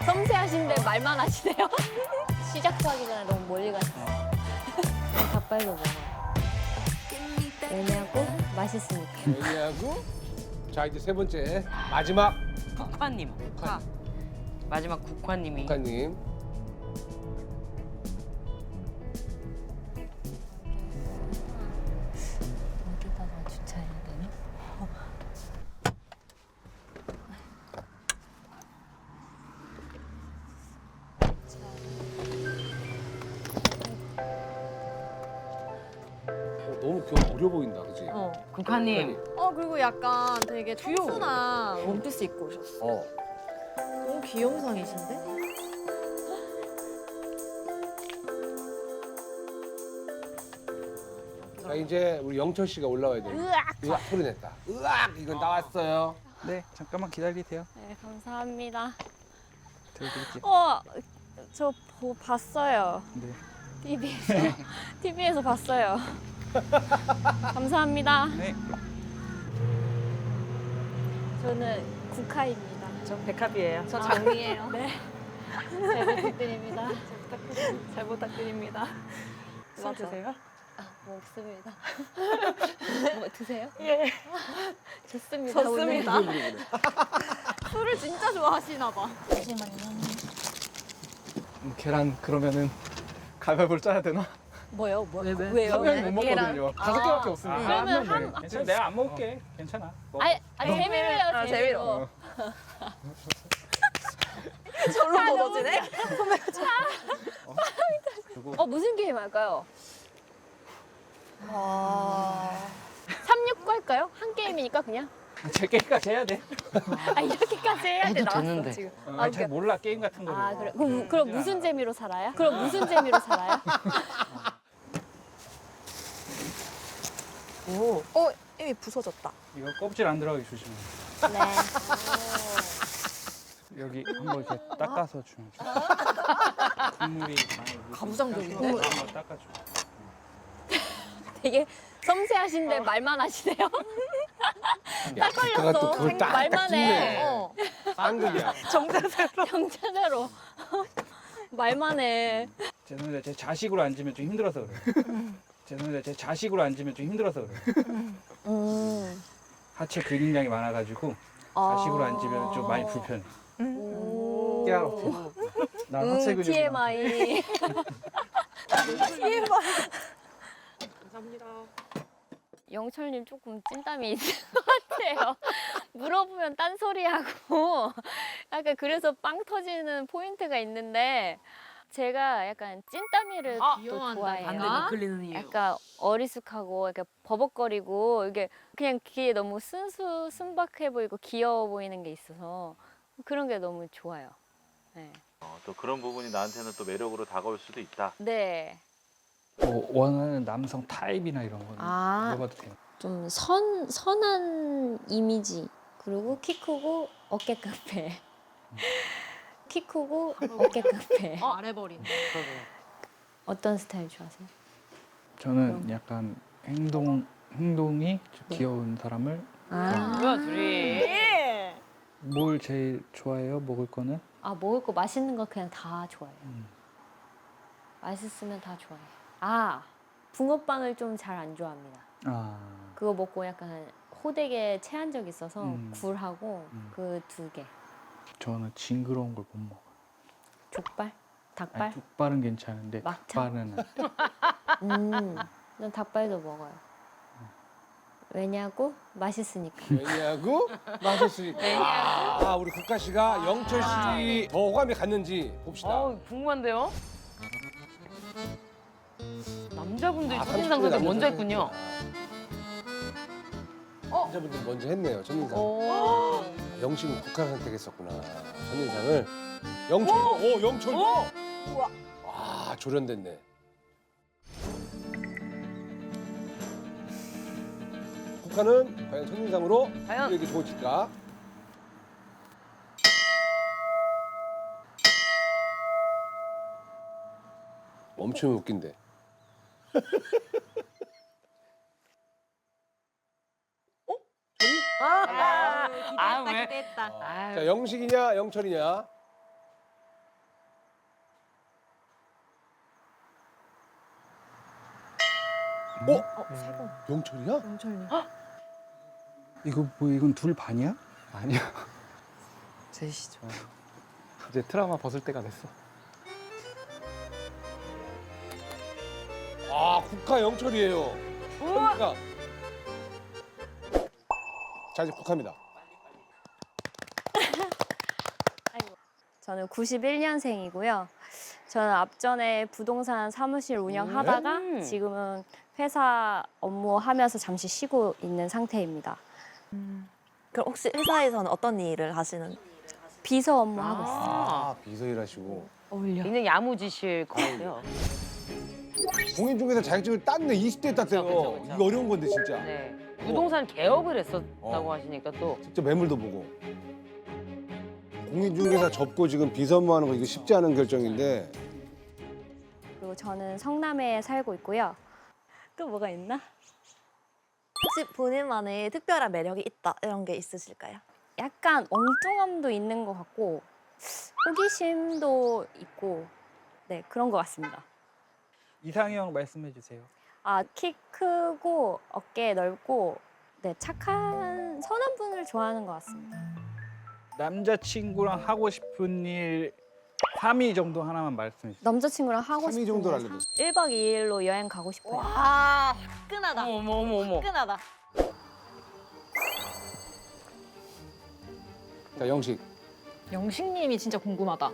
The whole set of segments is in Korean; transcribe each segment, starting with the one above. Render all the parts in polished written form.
섬세하신데 말만 하시네요. 시작도 하기 전에 너무 멀리 갔어요. 닭발도 먹어요. 왜냐고? 맛있으니까. 왜냐고? 자 이제 세 번째 마지막 국화님. 마지막 국화님이. 국가님. 어디다가 주차해야 되나? 너무 귀여워 어려 보인다, 그지? 국화님. 그리고 약간 되게 청순한 원피스 입고 오셨어. 너무 귀염상이신데? 자 이제 우리 영철 씨가 올라와야 돼. 으악 소리 냈다. 으악 이건 나왔어요. 네, 잠깐만 기다리세요. 네, 감사합니다. 드릴게요. 저 봤어요. 네. TV에서 봤어요. 감사합니다. 네. 저는 국화입니다. 저 백합이에요. 저 장미예요. 네. 잘 부탁드립니다. 잘 부탁드립니다. 술 드세요? 먹습니다. 뭐 드세요? 예. 좋습니다. 좋습니다. 오늘. 술을 진짜 좋아하시나 봐. 잠시만요. 계란 그러면은 가위바위보를 짜야 되나? 뭐요? 왜요? 한 명이 못 먹거든요. 다섯 개밖에 없으니까. 그러면 한 명이. 괜찮아, 내가 안 먹을게. 괜찮아. 먹어. 재미로 해요. 재미로. 절로 걷어지네? 무슨 게임 할까요? 아. 369 할까요? 한 게임이니까 그냥. 제 게임까지 해야 돼. 이렇게까지 해야 돼 해도 나왔어 되는데. 지금. 잘 몰라 게임 같은 거를. 그래. 그럼 무슨 재미로 살아요? 그럼 무슨 재미로 살아요? 이미 부서졌다. 이거 껍질 안 들어가게 조심해. 네. 여기 한번 이렇게 닦아서 주면 좋아. 국물이 많이 가부장적인데? 한번 닦아줘. 되게 섬세하신데 말만 하시네요. 딱 걸렸어. 또 그걸 딱 말만 해. 쌍극이야. 정체대로 말만 해. 죄송합니다. 제 자식으로 앉으면 좀 힘들어서 그래. 죄송합니다. 제 자식으로 앉으면 좀 힘들어서 그래. 하체 근육량이 많아가지고 자식으로 앉으면 좀 많이 불편해. 깨알없지. 난 하체 근육이 TMI. 영철님 조금 찐땀이 있는 것 같아요. 물어보면 딴소리하고 약간 그래서 빵 터지는 포인트가 있는데 제가 약간 찐땀이를 또 좋아해요. 반대가 끌리는 이유. 약간 어리숙하고 이렇게 버벅거리고 이게 그냥 귀에 너무 순박해 보이고 귀여워 보이는 게 있어서 그런 게 너무 좋아요. 네. 또 그런 부분이 나한테는 또 매력으로 다가올 수도 있다. 네. 뭐 원하는 남성 타입이나 이런 거는 물어봐도 돼요. 좀 선한 이미지 그리고 키 크고 어깨 깡패. 키 크고 어깨 깡패. 말해버린. 어떤 스타일 좋아하세요? 저는 약간 행동이 좀 귀여운 사람을 뭐야 둘이. 뭘 제일 좋아해요? 먹을 거는? 먹을 거 맛있는 거 그냥 다 좋아해요. 맛있으면 다 좋아해요. 붕어빵을 좀 잘 안 좋아합니다. 그거 먹고 약간 호되게 체한 적 있어서 굴하고 그 2개. 저는 징그러운 걸 못 먹어요. 족발? 닭발? 아니, 족발은 괜찮은데 막창? 닭발은 안 돼. 난 닭발도 먹어요. 왜냐고? 맛있으니까. 왜냐고? 맛있으니까. 우리 국가 씨가 영철 씨 더 호감이 갔는지 봅시다. 궁금한데요? 남자분들이 30분에 첫인상 선택 먼저 남자분들 했군요. 남자분들 먼저 했네요, 첫인상. 영식은 국가를 선택했었구나. 첫인상을. 영철도, 영철도. 와, 조련됐네. 국가는 과연 첫인상으로 과연? 우리에게 좋을까? 멈추면 웃긴데. 왜? 자, 영식이냐, 영철이냐? 영철이야? 영철님. 이거 뭐 이건 둘 반이야? 아니요. 셋이죠. 이제 트라우마 벗을 때가 됐어. 아, 국화 영철이에요. 그러니까. 자, 이제 국화입니다. 저는 91년생이고요. 저는 앞전에 부동산 사무실 운영하다가 지금은 회사 업무하면서 잠시 쉬고 있는 상태입니다. 그럼 혹시 회사에서는 어떤 일을 하시는? 비서 업무하고 있어요. 아, 비서 일하시고. 굉장히 야무지실 것 같아요. 공인중개사 자격증을 땄네. 20대에 땄대요. 그쵸. 이거 어려운 건데 진짜. 네. 부동산 개업을 했었다고 하시니까 또 직접 매물도 보고. 공인중개사 접고 지금 비서 업무하는 거 이거 쉽지 않은 결정인데. 그리고 저는 성남에 살고 있고요. 또 뭐가 있나? 혹시 본인만의 특별한 매력이 있다 이런 게 있으실까요? 약간 엉뚱함도 있는 것 같고 호기심도 있고 네 그런 것 같습니다. 이상형 말씀해 주세요. 아, 키 크고 어깨 넓고 네 착한 선한 분을 좋아하는 것 같습니다. 남자친구랑 하고 싶은 일 3위 정도 하나만 말씀해 주세요. 남자친구랑 하고 3위 싶은 정도를 거 알려줬어. 1박 2일로 여행 가고 싶어요. 아, 화끈하다. 어머. 화끈하다. 자, 영식. 영식님이 진짜 궁금하다.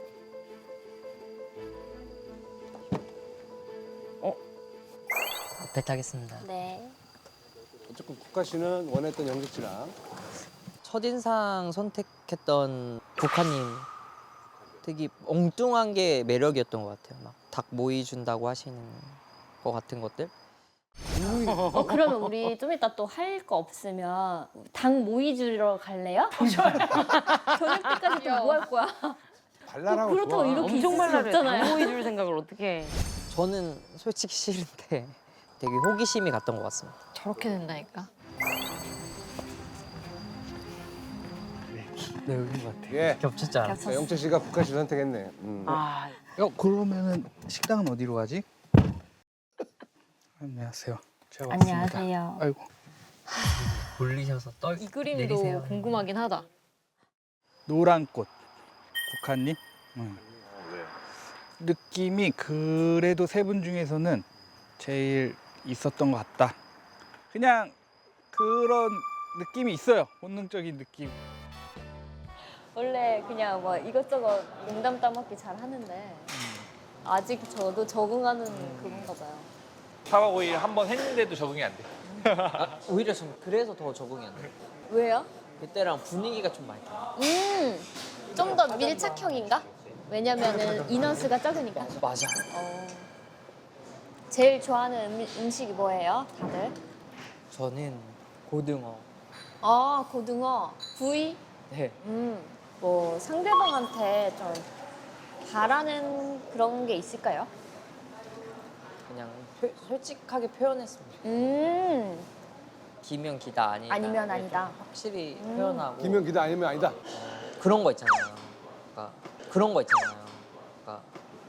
배타겠습니다. 네. 어쨌든 국화 씨는 원했던 영식 씨랑. 첫인상 선택했던 국화님 되게 엉뚱한 게 매력이었던 것 같아요. 막 닭 모이 준다고 하시는 것 같은 것들. 그러면 우리 좀 이따 또 할 거 없으면 닭 모이 주러 갈래요? 저녁 때까지 또 뭐 할 거야? 발랄하고 그렇다고 좋아. 이렇게 있을 엄청 수 말라를 없잖아요. 당호해줄 생각을 어떻게 해. 저는 솔직히 싫은데 되게 호기심이 갔던 것 같습니다. 저렇게 된다니까. 네, 여긴 것 같아요. 예. 겹쳤지 않아? 자, 영철 씨가 국화 씨 선택했네. 아, 그러면은 식당은 어디로 가지? 안녕하세요. 제가 왔습니다. 안녕하세요. 아이고. 돌리셔서 이 그림도 내리세요. 궁금하긴 하다. 노란 꽃. 국화님. 왜? 느낌이 그래도 세 분 중에서는 제일 있었던 것 같다. 그냥 그런 느낌이 있어요. 본능적인 느낌. 원래 그냥 뭐 이것저것 농담 따먹기 잘 하는데 아직 저도 적응하는 그건가 봐요. 4박 5일 한 번 했는데도 적응이 안 돼. 오히려 좀 그래서 더 적응이 안 돼요. 왜요? 그때랑 분위기가 좀 많이 달라요. 좀 더 밀착형인가? 왜냐면은 인원수가 적으니까. 맞아. 제일 좋아하는 음식이 뭐예요, 다들? 저는 고등어. 아, 고등어, 구이. 네. 뭐 상대방한테 좀 바라는 그런 게 있을까요? 그냥 솔직하게 표현했습니다. 기면 기다 아니다. 아니면 아니다. 확실히 표현하고 기면 기다 아니면 아니다. 그런 거 있잖아요. 그러니까 그런 거 있잖아요. 그러니까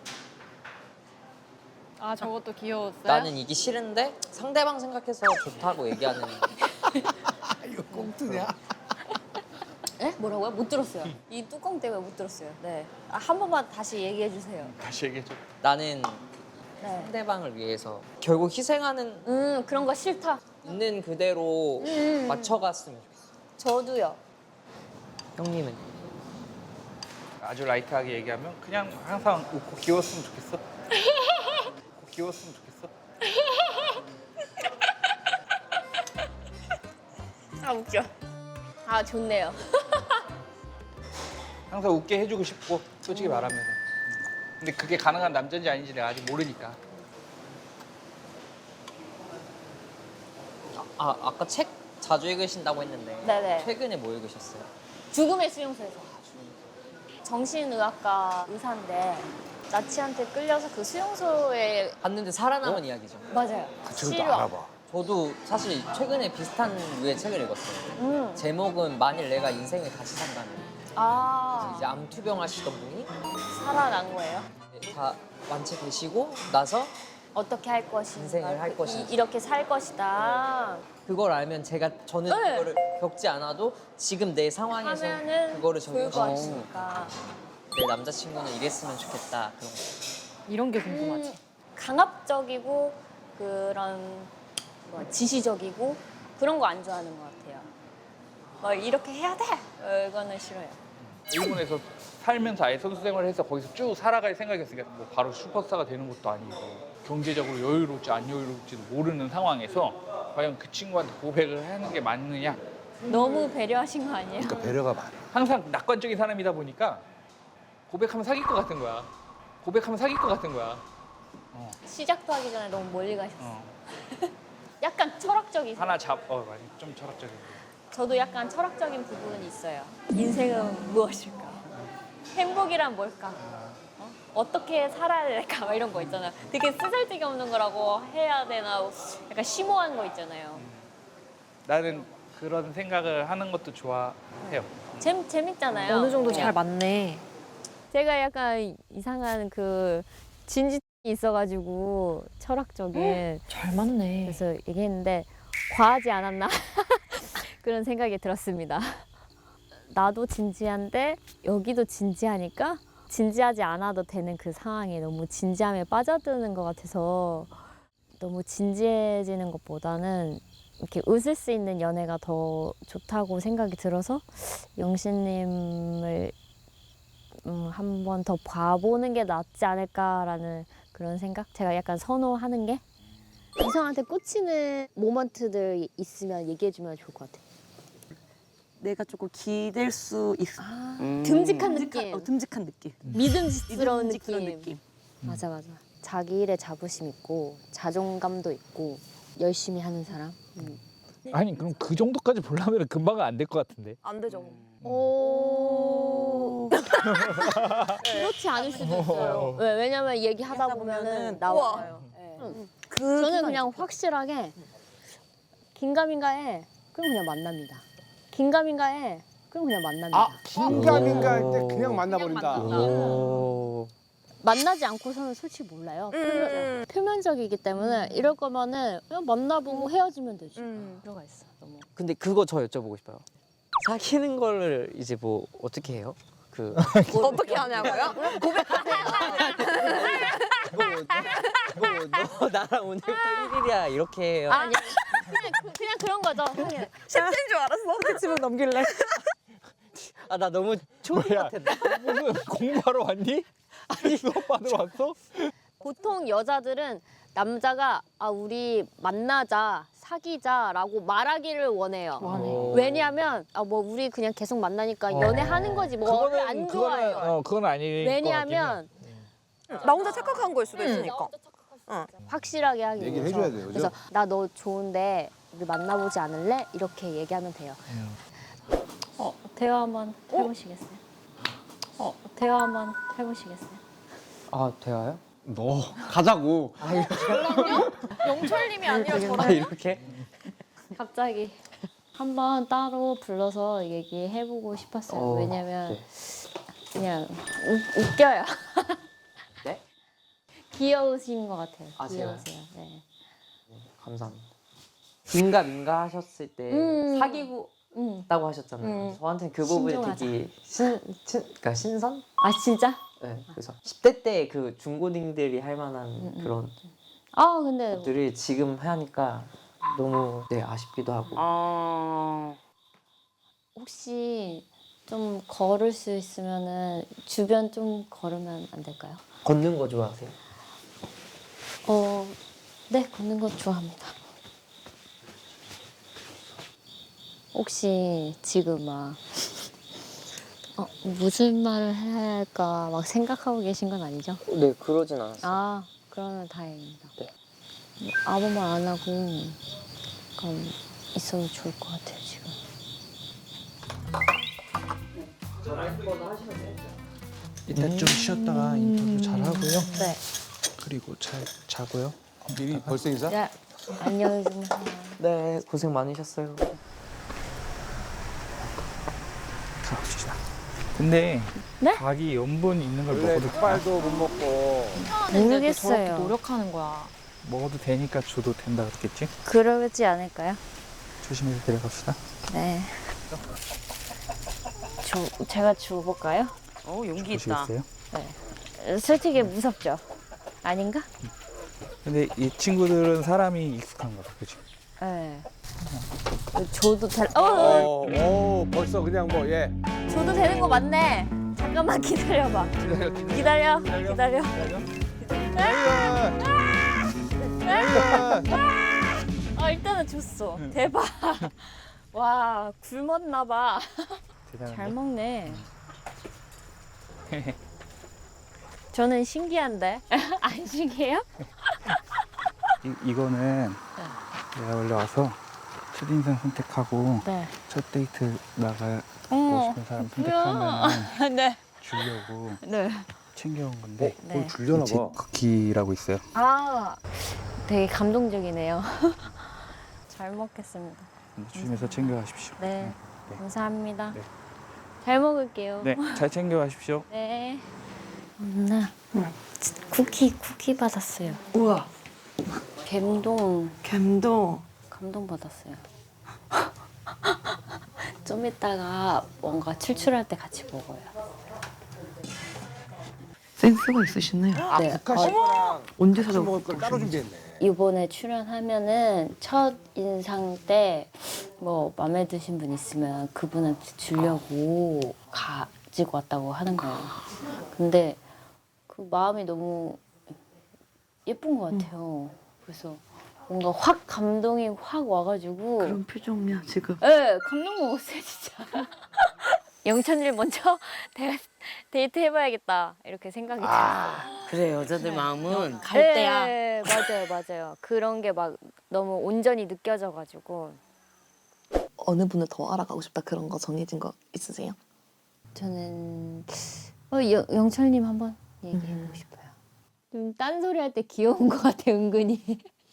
아 저것도 귀여웠어요. 나는 이게 싫은데 상대방 생각해서 좋다고 얘기하는. 이거 꽁트냐? 네? 뭐라고요? 못 들었어요. 이 뚜껑 때문에 못 들었어요. 네. 아, 한 번만 다시 얘기해 주세요. 다시 얘기해줘. 나는 네. 상대방을 위해서 결국 희생하는 그런 거 싫다. 있는 그대로 맞춰갔으면 좋겠어. 저도요. 형님은 아주 라이트하게 얘기하면 그냥 항상 웃고 귀여웠으면 좋겠어. 웃고 귀여웠으면 좋겠어. 아, 웃겨. 아, 좋네요. 항상 웃게 해주고 싶고 솔직히 말하면. 근데 그게 가능한 남자인지 아닌지 내가 아직 모르니까. 아까 책 자주 읽으신다고 했는데 네네. 최근에 뭐 읽으셨어요? 죽음의 수용소에서. 정신의학과 의사인데 나치한테 끌려서 그 수용소에 봤는데 살아남은 이야기죠. 맞아요. 그 책도 실화. 알아봐. 저도 사실 최근에 비슷한 류의 책을 읽었어요. 제목은 만일 내가 인생을 다시 산다면. 아, 이제 암투병 하시던 분이 살아난 거예요? 다 완치되시고 나서 어떻게 할 것인가, 인생을 할 것인지. 이렇게 살 것이다. 그걸 알면 저는 네. 그거를 겪지 않아도 지금 내 상황에서 하면은 그거를 좋을 것 적용시키고 같으니까. 내 남자친구는 이랬으면 좋겠다 그런 거. 이런 게 궁금하지. 강압적이고 그런 지시적이고 그런 거 안 좋아하는 것 같아요. 막 이렇게 해야 돼. 이거는 싫어요. 일본에서 살면서 아예 선수 생활을 해서 거기서 쭉 살아갈 생각이었으니까 뭐 바로 슈퍼스타가 되는 것도 아니고 경제적으로 여유로울지 안 여유로울지도 모르는 상황에서 과연 그 친구한테 고백을 하는 게 맞느냐. 너무 배려하신 거 아니에요? 그러니까 배려가 많아. 항상 낙관적인 사람이다 보니까 고백하면 사귈 것 같은 거야. 고백하면 사귈 것 같은 거야. 시작도 하기 전에 너무 멀리 가셨어요. 어. 약간 철학적이세요. 하나 많이 좀 철학적인. 저도 약간 철학적인 부분이 있어요. 인생은 무엇일까? 행복이란 뭘까? 어떻게 살아야 될까? 막 이런 거 있잖아요. 되게 쓰잘데기 없는 거라고 해야 되나? 약간 심오한 거 있잖아요. 나는 그런 생각을 하는 것도 좋아해요. 재밌잖아요. 어느 정도 그냥. 잘 맞네. 제가 약간 이상한 그 진지성이 있어가지고 철학적인 잘 맞네. 그래서 얘기했는데 과하지 않았나 그런 생각이 들었습니다. 나도 진지한데 여기도 진지하니까 진지하지 않아도 되는 그 상황에 너무 진지함에 빠져드는 것 같아서 너무 진지해지는 것보다는 이렇게 웃을 수 있는 연애가 더 좋다고 생각이 들어서 영신님을 한 번 더 봐보는 게 낫지 않을까라는 그런 생각? 제가 약간 선호하는 게 이성한테 꽂히는 모먼트들 있으면 얘기해주면 좋을 것 같아. 내가 조금 기댈 수 있어. 듬직한 느낌, 듬직한 느낌. 믿음직스러운 믿음직스러운 느낌. 맞아. 자기 일에 자부심 있고 자존감도 있고 열심히 하는 사람. 아니 그럼 그 정도까지 보려면 금방 안 될 것 같은데. 안 되죠. 오. 그렇지 않을 수도 있어요. 왜냐면 얘기하다 보면은 나와요. 네. 저는 그냥 확실하게 긴가민가해. 그럼 그냥 만납니다. 긴가민가해. 그럼 그냥 만납니다. 아, 긴가민가 할 때 그냥 만나버린다. 오. 만나지 않고서는 솔직히 몰라요. 표면적이기 때문에 이럴 거면은 그냥 만나보고 헤어지면 되지. 들어가 있어. 너무. 근데 그거 저 여쭤보고 싶어요. 사귀는 거를 이제 뭐 어떻게 해요? 그 어떻게 하냐고요? 너 나랑 오늘부터 1일이야 이렇게 해요. 아니 그냥 그런 거죠. 그냥 셰프인 줄 알았어. 집을 넘길래. 아 나 너무 초딩 뭐야? 같았다. 무슨 공부하러 왔니? 아니 수업 받으러 왔어? 보통 여자들은 남자가 우리 만나자 사귀자라고 말하기를 원해요. 왜냐하면 뭐 우리 그냥 계속 만나니까 연애하는 거지 뭐를 안 좋아해요. 그건 아닐 것 왜냐하면 나 혼자 착각한 거일 수도 있으니까. 확실하게 하기 얘기를 위해서. 해줘야 돼요, 그죠? 그래서 나 너 좋은데 우리 만나보지 않을래? 이렇게 얘기하면 돼요. 대화 한번 해보시겠어요? 대화 한번 해보시겠어요? 아 대화요? 너 가자고. 영철님이 아니라 아 이렇게? 갑자기 한번 따로 불러서 얘기해보고 싶었어요. 왜냐면 네. 그냥 웃겨요. 네? 귀여우신 것 같아요. 아, 제가요? 귀여우세요. 네. 감사합니다. 긴가민가 하셨을 때 사귀고 있다고 하셨잖아요. 저한테는 그 부분이 신중하자. 되게 그러니까 신선? 아 진짜? 네. 그래서 10대 때 그 중고딩들이 할 만한 그런 근데 것들을 지금 하니까 너무 아쉽기도 하고. 혹시 좀 걸을 수 있으면은 주변 좀 걸으면 안 될까요? 걷는 거 좋아하세요? 네, 걷는 거 좋아합니다. 혹시 지금 막 무슨 말을 해야 할까 막 생각하고 계신 건 아니죠? 네, 그러진 않았어요. 그러면 다행입니다. 네. 아무 말 안 하고 그럼 있어도 좋을 것 같아요, 지금. 일단 좀 쉬었다가 인터뷰 잘 하고요. 네. 그리고 잘 자고요. 미리 벌써 인사? 네. 안녕히 주무세요. 네, 고생 많으셨어요. 가봅시다. 근데 네? 닭이 염분 있는 걸 원래 먹어도 닭발도 못 먹고. 저렇게 모르겠어요. 노력하는 거야. 먹어도 되니까 줘도 된다 그랬겠지? 그러지 않을까요? 조심해서 데려갑시다. 네. 제가 주워볼까요? 용기 있다. 보시겠어요? 솔직히 무섭죠? 아닌가? 근데 이 친구들은 사람이 익숙한가 봐, 그치? 네. 줘도 벌써 그냥 뭐 예. 줘도 되는 거 맞네. 잠깐만 기다려봐. 기다려. 일단은 줬어. 대박. 와, 굶었나 봐. 잘 먹네. 저는 신기한데. 안 신기해요? 이거는 내가 원래 와서 첫인상 선택하고 네. 첫 데이트 나가고 싶은 사람 뭐야. 선택하면 네. 주려고 네. 챙겨온 건데 네. 줄려나 제 봐. 쿠키라고 있어요. 아, 되게 감동적이네요. 잘 먹겠습니다. 조심해서 챙겨가십시오. 네. 네. 감사합니다. 네. 잘 먹을게요. 네, 잘 챙겨가십시오. 네. 엄마, 쿠키 받았어요. 우와. 감동 감동. 받았어요. 좀 이따가 뭔가 출출할 때 같이 먹어요. 센스가 있으시네요. 네. 국화씨랑 언제 같이 먹을 걸 따로 준비했네. 이번에 출연하면은 첫 인상 때 뭐 마음에 드신 분 있으면 그분한테 주려고 가지고 왔다고 하는 거예요. 근데 그 마음이 너무 예쁜 것 같아요. 그래서 뭔가 확 감동이 확 와가지고 그런 표정이야 지금. 네, 감동 먹었어요 진짜. 영천일 먼저 데이트 해봐야겠다 이렇게 생각이 들었어요. 그래 여자들 마음은 네, 맞아요. 그런 게 막 너무 온전히 느껴져가지고 어느 분을 더 알아가고 싶다 그런 거 정해진 거 있으세요? 저는 영철님 한번 얘기해보고 싶어요. 좀 딴소리 할 때 귀여운 것 같아 은근히.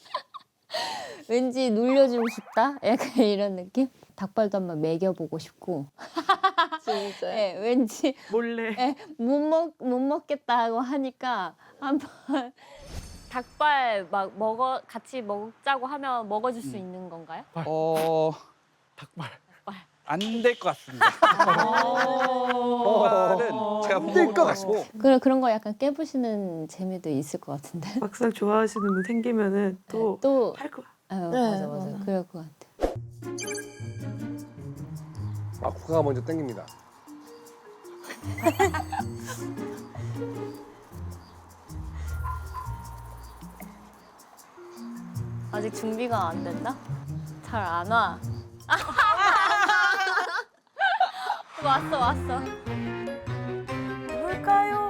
왠지 놀려주고 싶다? 약간 이런 느낌? 닭발도 한번 먹여보고 싶고. 진짜. 네, 왠지 몰래. 네, 못 먹겠다고 하니까 한번 닭발 막 같이 먹자고 하면 먹어줄 수 있는 건가요? 닭발. 안 될 것 같습니다. 닭발은 제가 못 먹을 것 같고. 그런 거 약간 깨부시는 재미도 있을 것 같은데. 막상 좋아하시는 분 생기면은 또 또 할 거야. 맞아. 그럴 것 같아. 국화가 먼저 땡깁니다. 아직 준비가 안 됐나? 잘 안 와. 왔어. 뭘까요?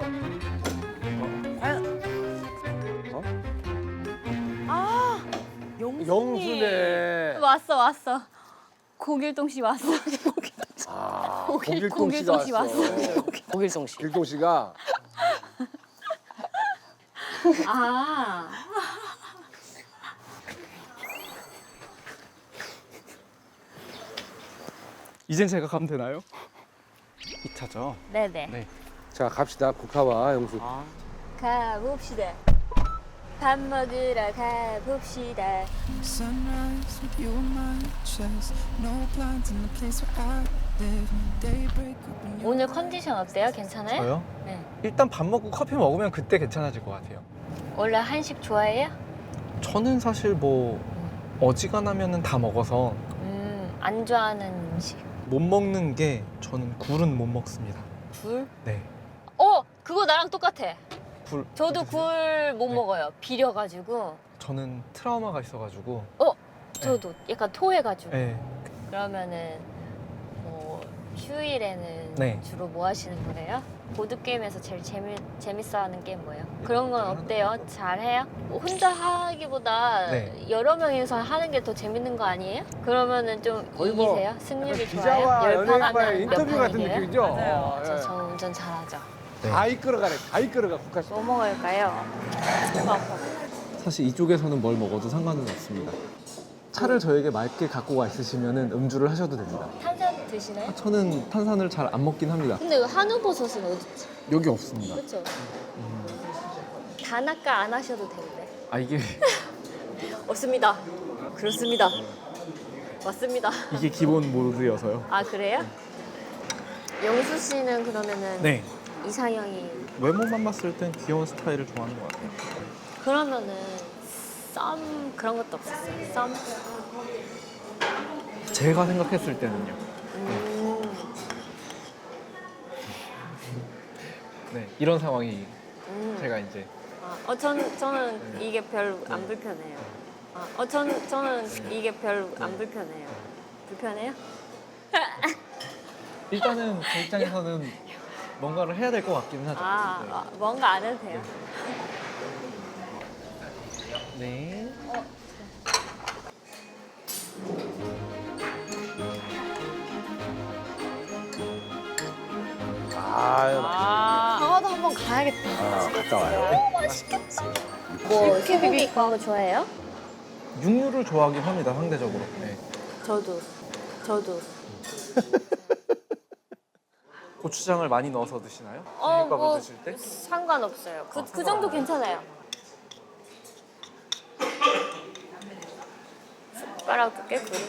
영수네. 왔어. 고길동 씨 왔어. 고길동 씨가 왔어. 고길성 씨. 길동 씨가 아. 이젠 제가 가면 되나요? 2차죠. 네네. 네. 자 갑시다. 국화와 영수. 가봅시다. 밥 먹으러 가봅시다. Sunrise with you on my chest. No blinds in the place where I live. Daybreak when you 오늘 컨디션 어때요? 괜찮아요? 저요? 네. 일단 밥 먹고 커피 먹으면 그때 괜찮아질 것 같아요. 원래 한식 좋아해요? 저는 사실 뭐 어지간하면은 다 먹어서 안 좋아하는 음식. 못 먹는 게 저는 굴은 못 먹습니다. 굴? 네. 그거 나랑 똑같아. 굴. 저도 굴 못 먹어요. 비려가지고. 저는 트라우마가 있어가지고. 저도 약간 토해가지고. 네. 그러면은 뭐 휴일에는 네. 주로 뭐 하시는 거예요? 보드 게임에서 제일 재밌어하는 게임 뭐예요? 그런 건 어때요? 잘해요? 혼자 하기보다 네. 여러 명이서 하는 게 더 재밌는 거 아니에요? 그러면은 좀 거의 뭐 이기세요? 승률이 기자와 좋아요? 연예인과의 몇 인터뷰 같은 판이에요? 느낌이죠. 맞아요. 예. 저 운전 잘하죠. 네. 다 이끌어가네. 다 이끌어가 국화 씨. 뭐 먹을까요? 사실 이쪽에서는 뭘 먹어도 상관은 없습니다. 차를 저에게 맑게 갖고 와 있으시면 음주를 하셔도 됩니다. 탄산 드시나요? 저는 탄산을 잘 안 먹긴 합니다. 근데 한우버섯은 어디 있지? 여기 없습니다. 그렇죠? 단아까 안 하셔도 되는데. 이게 없습니다. 그렇습니다. 맞습니다. 이게 기본 모드여서요. 아 그래요? 영수 씨는 그러면은 네. 이상형이 외모만 봤을 땐 귀여운 스타일을 좋아하는 것 같아요. 그러면은 썸 그런 것도 없었어요? 썸? 제가 생각했을 때는요. 네, 이런 상황이 제가 이제 저는 이게 별로 안 불편해요. 저는 이게 별로 안 불편해요. 불편해요? 일단은 제 입장에서는 뭔가를 해야 될 것 같기는 하죠. 뭔가 안 해도 돼요. 네. 강화도 한번 가야겠다. 갔다 와요. 뭐 소고기 그런 거 좋아해요? 육류를 좋아하긴 합니다, 상대적으로. 네. 저도. 고추장을 많이 넣어서 드시나요? 비빔밥을 뭐 드실 때? 상관없어요. 그 정도 괜찮아요. 숟가락도 꽤 그릇.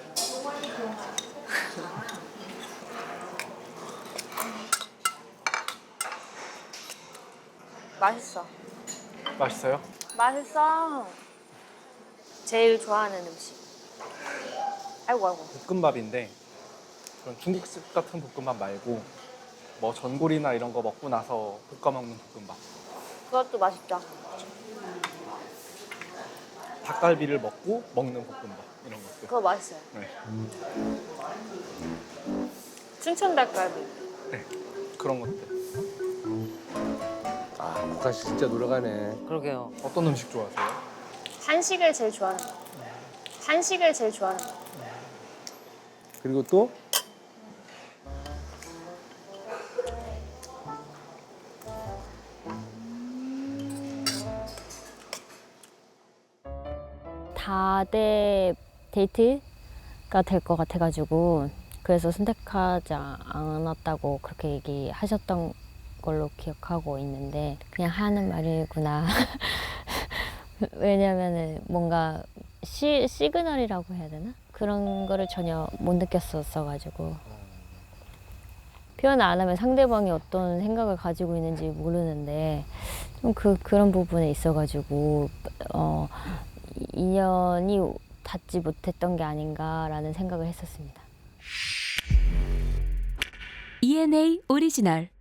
맛있어. 맛있어요? 맛있어. 제일 좋아하는 음식. 아이고. 볶음밥인데 그런 중국식 같은 볶음밥 말고 뭐 전골이나 이런 거 먹고 나서 볶아 먹는 볶음밥. 그것도 맛있다. 닭갈비를 먹고 먹는 볶음밥 이런 것들. 그거 맛있어요. 네. 춘천 닭갈비. 네. 그런 것들. 아, 국화 씨 진짜 노력하네. 그러게요. 어떤 음식 좋아하세요? 한식을 제일 좋아하는 거. 한식을 제일 좋아하는 거. 그리고 또 다대 데이트가 될 것 같아가지고 그래서 선택하지 않았다고 그렇게 얘기하셨던 걸로 기억하고 있는데 그냥 하는 말이구나. 왜냐면은 뭔가 시그널이라고 해야 되나? 그런 거를 전혀 못 느꼈었어가지고 표현 안 하면 상대방이 어떤 생각을 가지고 있는지 모르는데 좀 그런 부분에 있어가지고 인연이 닿지 못했던 게 아닌가라는 생각을 했었습니다. ENA 오리지널